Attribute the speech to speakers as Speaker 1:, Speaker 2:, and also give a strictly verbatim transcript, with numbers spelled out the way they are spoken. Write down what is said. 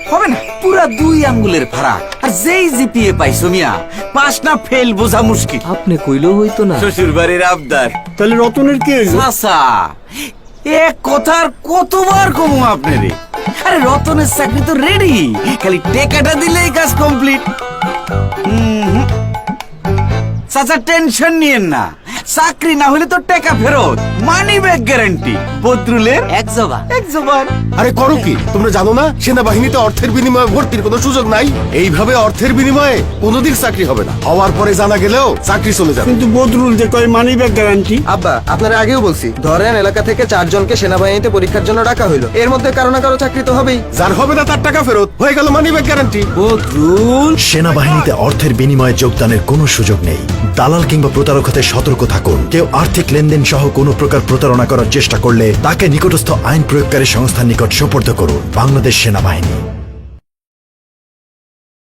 Speaker 1: হবে না, পুরা দুই আঙ্গুলের ফারাক। আর যেই জিপিএ পাইছো মিয়া, পাস না ফেল বোঝা মুশকিল।
Speaker 2: আপনি কইলেও হইতো না।
Speaker 1: শ্বশুর বাড়ির আবদার।
Speaker 3: তাহলে রতনের কি হইলো?
Speaker 1: চাচা, এক কথার কতবার কমু আপনারে। আরে রতনের চাকরি তো রেডি, খালি টেকাটা দিলেই কাজ কমপ্লিট। চাচা টেনশন নিয়েন না, চাকরি না হলে তো টাকা ফেরত, মানি ব্যাক গ্যারান্টি। বদরুলের
Speaker 2: এক জবান
Speaker 1: এক জবান।
Speaker 4: আরে করো কি তোমরা জানো না সেনাবাহিনীতে অর্থের বিনিময়ে ভর্তির কোনো সুযোগ নাই? এইভাবে অর্থের বিনিময়ে কোনোদিন চাকরি হবে না, হওয়ার পরে জানা গেলেও চাকরি চলে যাবে।
Speaker 3: কিন্তু বদরুল যে কয় মানি ব্যাক গ্যারান্টি।
Speaker 5: আব্বা, আপনারা আগেও বলছি, ধরেন এলাকা থেকে চারজনকে সেনাবাহিনীতে পরীক্ষার জন্য ডাকা হইলো, এর মধ্যে কারো না কারো চাকরি তো হবেই।
Speaker 4: যার হবে না তার টাকা ফেরত, হয়ে গেল মানি ব্যাক গ্যারান্টি।
Speaker 1: বদরুল,
Speaker 6: সেনাবাহিনীতে অর্থের বিনিময়ে যোগদানের কোনো সুযোগ নেই। দালাল কিংবা প্রতারক হতে সতর্ক থাকুন। কেউ আর্থিক লেনদেন সহ কোনো প্রকার প্রতারণা করার চেষ্টা করলে তাকে নিকটস্থ আইন প্রয়োগকারী সংস্থার নিকট সোপর্দ করুন। বাংলাদেশ সেনাবাহিনী।